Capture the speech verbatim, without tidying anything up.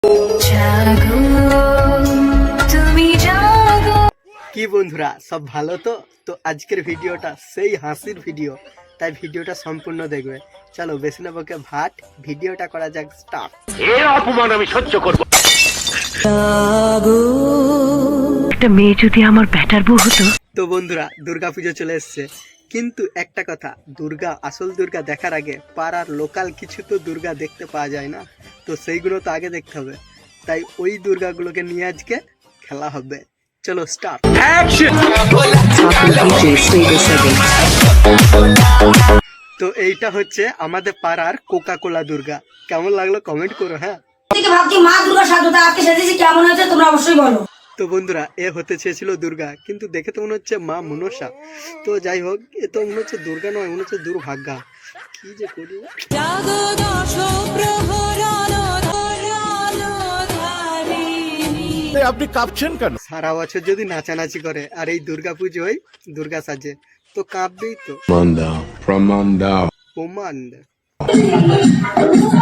কি বন্ধুরা সব ভালো তো তো আজকের ভিডিওটা সেই হাসির ভিডিও, তাই ভিডিওটা সম্পূর্ণ দেখবে। চলো বেশি না বকে ভাট, ভিডিওটা করা যাক স্টার্ট। এর অপমান আমি সহ্য করব। একটা মেয়ে যদি আমার ব্যাটার বউ হতো। তো বন্ধুরা দুর্গাপুজো চলে এসছে, কিন্তু একটা কথা, দুর্গা আসল দুর্গা দেখার আগে পাড়ার লোকাল কিছু তো দুর্গা দেখতে পাওয়া যায় না, তো সেইগুলো তো আগে দেখতে হবে। তাই ওই দুর্গাগুলোকে নিয়ে আজকে খেলা হবে। চলো স্টার্ট। তো এইটা হচ্ছে আমাদের পাড়ার কোকা কোলা দুর্গা। কেমন লাগলো কমেন্ট করো। হ্যাঁ ভাবছি মা দুর্গা সাধুটা আজকে সেজেছি, কেমন হয়েছে তোমরা অবশ্যই বলো। তো বন্ধুরা এ হতে চেয়েছিল দুর্গা, কিন্তু দেখে তো মনে হচ্ছে মা মনসা। তো যাই হোক, এ তো মনে হচ্ছে দুর্গা নয়, মনে হচ্ছে দুর্ভাগ্যা। কি যে করি। আপনি কাঁপছেন কেন? সারা বছর যদি নাচানাচি করে আর এই দুর্গা পুজোয় দুর্গা সাজে, তো কাঁপবেই তো। প্রমাণ দাও, প্রমাণ দাও। প্রমাণ